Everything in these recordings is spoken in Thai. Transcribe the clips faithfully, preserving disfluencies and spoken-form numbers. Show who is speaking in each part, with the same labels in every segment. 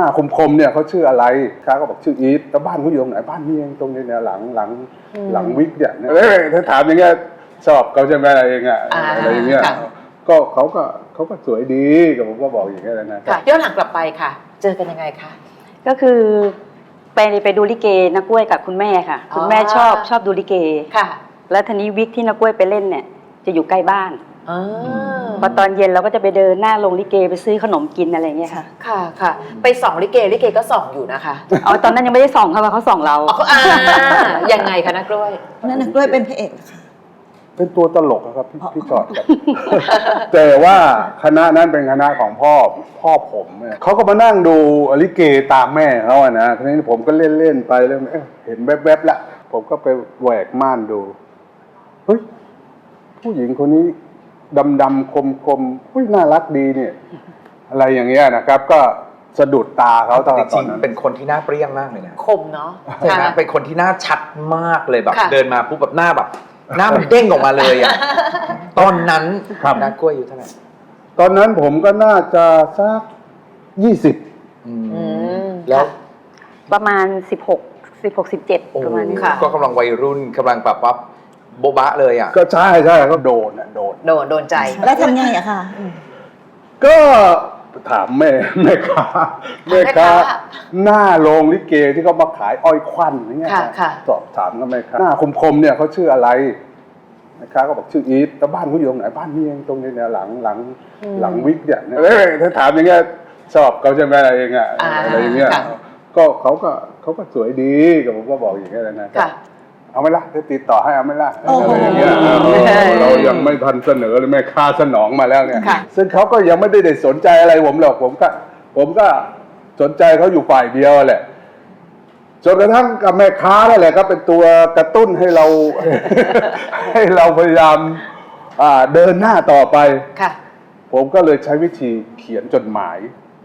Speaker 1: น้าคมๆเนี่ยเขาชื่ออะไรค้าก็บอกชื่ออีทแล้วบ้านเขาอยู่ตรงไหนบ้านนี่เองตรงนี้เนี่ยหลังหลังหลังวิกเนี่ยเอ้ยถ้าถามอย่างเงี้ยชอบเขาใช่ไหมอะไรอย่างเงี้ยอะไรอย่างเงี้ยก็เขาก็เขาก็สวยดีกับผมก็บอกอย่างเงี้ยนะ
Speaker 2: ค่ะย้อนหลังกลับไปค่ะเจอกันยังไงคะ
Speaker 3: ก็คือไปไปดูลิเกนักกล้วยกับคุณแม่ค่ะคุณแม่ชอบชอบดูลิเก
Speaker 2: ค่ะ
Speaker 3: แล้วทีนี้วิกที่นักกล้วยไปเล่นเนี่ยจะอยู่ใกล้บ้านพอตอนเย็นเราก็จะไปเดินหน้าโรงลิเกไปซื้อขนมกินอะไรเงี้ยค่ะ
Speaker 2: ค่ะค่ะไปส่องลิเกลิเกก็ส่องอยู่นะคะ
Speaker 3: อ๋อตอนนั้นยังไม่ได้ส่องเขาเขาส่องเรา
Speaker 2: อ่ายังไงคะนักกล้วย
Speaker 4: นั่นนักกล้วยเป็นพระเอกค่ะ
Speaker 1: เป็นตัวตลกครับพี่พี่ชอดครับแต่ว่าคณะนั้นเป็นคณะของพ่อพ่อผมเนี่ยเขาก็มานั่งดูลิเกตามแม่เขาอะนะทีนี้ผมก็เล่นเล่นไปแล้วเห็นแวบๆละผมก็ไปแหวกม่านดูเฮ้ยผู้หญิงคนนี้ดำๆคมๆเฮ้ยน่ารักดีเนี่ยอะไรอย่างเงี้ยนะครับก็สะดุดตาเขาตอนนั้น
Speaker 5: เป็นคนที่หน้าเปรี้ยงมากเลยนะ
Speaker 2: คมเนาะ
Speaker 5: ใช่ไหมเป็นคนที่หน้าชัดมากเลยแบบเดินมาปุ๊บแบบหน้าแบบหน้ามันเด้งออกมาเลยอ่ะตอนนั้นนักกล้วยอยู่เท่าไหร่
Speaker 1: ตอนนั้นผมก็น่าจะสักยี่สิบ
Speaker 5: แล้ว
Speaker 3: ประมาณสิบหกสิบหกสิบเจ็ดประมาณนี้ค่ะ
Speaker 5: ก็กำลังวัยรุ่นกำลังแบบว่าโบ๊ะบะเลยอ่ะ
Speaker 1: ก็ใช่ใช่ก็โดนอ่ะโดน
Speaker 2: โดนโดนใจ
Speaker 4: แล้วทำไงอะค่ะ
Speaker 1: ก็ถามแม่แม่ค้าแม่ค้าหน้าโรงลิเกที่เขามาขายอ้อยควันอย่างเงี้ยสอบถามก็แม่ค้าหน้าคมๆเนี่ยเขาชื่ออะไรแม่ค้าก็บอกชื่ออีทแล้วบ้านเขาอยู่ตรงไหนบ้านนี่เองตรงนี้เนี่ยหลังหลังหลังวิกเนี่ยเอ้ยถ้าถามอย่างเงี้ยชอบเขาใช่ไหมอะไรอย่างเงี้ยอะไรอย่างเงี้ยก็เขาก็เขาก็สวยดีกับผมก็บอกอย่างเงี้ยนะเอาไหมล่ะจะติดต่อให้เอาไหมล่ะอะไรอย่างเงี้ยเรายังไม่ทันเสนอเลยแม่ค้าสนองมาแล้วเนี่ยซึ่งเขาก็ยังไม่ได้สนใจอะไรผมหรอกผมก็ผมก็สนใจเขาอยู่ฝ่ายเดียวแหละจนกระทั่งกับแม่ค้านั่นแหละก็เป็นตัวกระตุ้นให้เราให้เราพยายามเดินหน้าต่อไปผมก็เลยใช้วิธีเขียนจดหมาย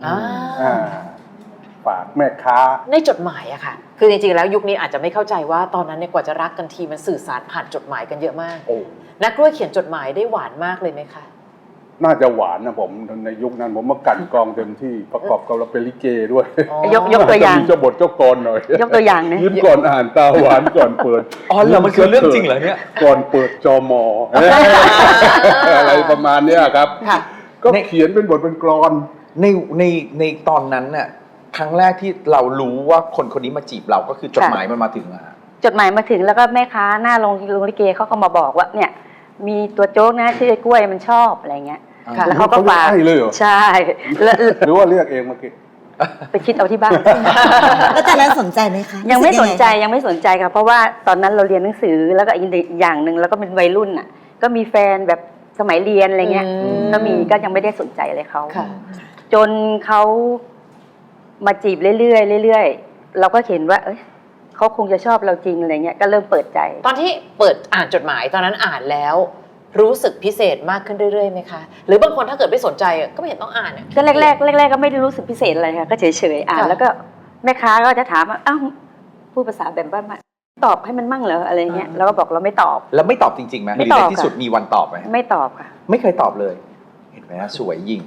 Speaker 1: ฝากแม่ค้า
Speaker 2: ในจดหมายอะค่ะคือจริงๆแล้วยุคนี้อาจจะไม่เข้าใจว่าตอนนั้นเนี่ยกว่าจะรักกันทีมันสื่อสารผ่านจดหมายกันเยอะมากนักกล้วยเขียนจดหมายได้หวานมากเลยไหมคะ
Speaker 1: น่าจะหวานนะผมในยุคนั้นผมมากันกองเต็มที่ประกอบกับเราเป็นลิเกด้วย
Speaker 3: ยกยกตัวอย่าง
Speaker 1: เจ้าบทเจ้ากรหน่อย
Speaker 3: ยกตัวอย่างนะ
Speaker 1: ยิ้มก่อนอ่านตาหวานก่อนเปิด
Speaker 5: อ๋อเหรอมันคือเรื่องจริงเหรอเนี่ย
Speaker 1: ก่อนเปิดจอมออะไรประมาณนี้ครับก็เขียนเป็นบทเป็นกลอน
Speaker 5: ในในในตอนนั้นน่ะครั้งแรกที่เรารู้ว่าคนคนนี้มาจีบเราก็คือจดหมายมันมาถึงอะ
Speaker 3: จดหมายมาถึงแล้วก็แม่ค้าหน้าโรงโรงลิเกเขาก็มาบอกว่าเนี่ยมีตัวโจ๊กนะชื่อกล้วยมันชอบอะไรเงี้ยแล้วเขาก็ฝากใช่
Speaker 1: หรือว่าเรียกเองเมื่อกี้
Speaker 3: ไปคิดเอาที่บ้าน
Speaker 4: แล้วตอนนั้นสนใจไหมคะ
Speaker 3: ยังไม่สนใจยังไม่สนใจค่ะเพราะว่าตอนนั้นเราเรียนหนังสือแล้วก็อีกอย่างหนึ่งแล้วก็เป็นวัยรุ่นอ่ะก็มีแฟนแบบสมัยเรียนอะไรเงี้ยก็มีก็ยังไม่ได้สนใจเลยเขาจนเขามาจีบเรื่อยๆเรื่อยๆเราก็เห็นว่าเอ้ยเขาคงจะชอบเราจริงอะไรเงี้ยก็เริ่มเปิดใจ
Speaker 2: ตอนที่เปิดอ่านจดหมายตอนนั้นอ่านแล้วรู้สึกพิเศษมากขึ้นเรื่อยๆไหมคะหรือบางคนถ้าเกิดไม่สนใจก็ไม่เห็นต้องอ่าน
Speaker 3: ก็แรกๆแรกๆก็ไม่ได้รู้สึกพิเศษอะไรค่ะก็เฉยๆอ่านแล้วก็แม่ค้าก็จะถามว่าอ้าวพูดภาษาแบบบ้านๆตอบให้มันมั่งเหรออะไรเงี้ยเราก็บอกเราไม่ตอบ
Speaker 5: แล้วไม่ตอบจริงๆไหมหรือในที่สุดมีวันตอบไหม
Speaker 3: ไม่ตอบค่ะ
Speaker 5: ไม่เคยตอบเลยเห็นไหมสวยยิ่ง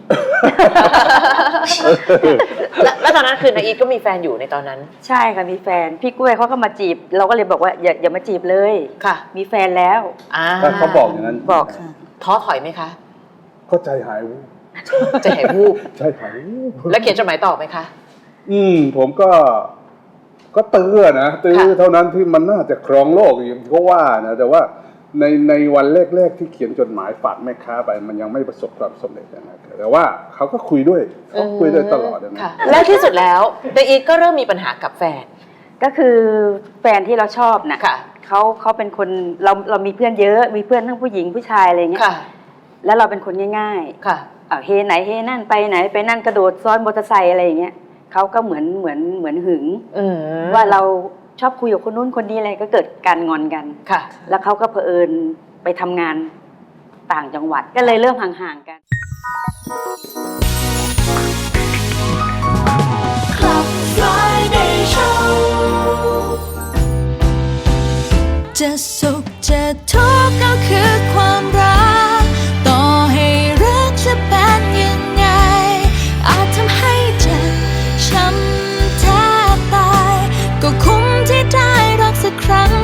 Speaker 2: แล้วตอนนั้นคือนายอีทก็มีแฟนอยู่ในตอนนั้น
Speaker 3: ใช่ค่ะมีแฟนพี่กล้วยเขาก็มาจีบเราก็เลยบอกว่าอย่าอย่ามาจีบเลย
Speaker 2: ค่ะ
Speaker 3: มีแฟนแล้ว
Speaker 1: เขาบอกอย่างนั้น
Speaker 3: บอก
Speaker 2: ท้อถอยไหมคะ
Speaker 1: ก็ใจหายวูบ
Speaker 2: ใจหายวูบ
Speaker 1: ใจหายวูบ
Speaker 2: แล้วเขียนจดหมายตอบไหมคะ
Speaker 1: อืมผมก็ก็ตื้อนะตื้อเท่านั้นที่มันน่าจะครองโลกอย่างที่เขาว่านะแต่ว่าในในวันแรกๆที่เขียนจดหมายฝากแม่ค้าไปมันยังไม่ประสบความสำเร็จนะแต่ว่าเขาก็คุยด้วยเขาคุยด้วยตลอดนะ
Speaker 2: และที่สุดแล้วนายอีทก็เริ่มมีปัญหากับแฟน
Speaker 3: ก็คือแฟนที่เราชอบนะเขาเขาเป็นคนเราเรามีเพื่อนเยอะมีเพื่อนทั้งผู้หญิงผู้ชายอะไรเงี้ยแล้วเราเป็นคนง่ายๆค่ะเฮไหนเฮนั่นไปไหนไปนั่นกระโดดซ้อนมอเตอร์ไซค์อะไรอย่างเงี้ยเขาก็เหมือนเหมือนเหมือนหึงว่าเราชอบคุยกับคนนู้นคนนี้อะไรก็เกิดการงอนกันค่ะแล้วเขาก็เผอิญไปทำงานต่างจังหวัดก็เลยเริ่มห่างๆกัน
Speaker 6: จะสุขจะทุกข์ก็คือความรักต่อให้รักจะเป็นยังไงอาจทำให้เจ็บช้ำได้รักสักครั้ง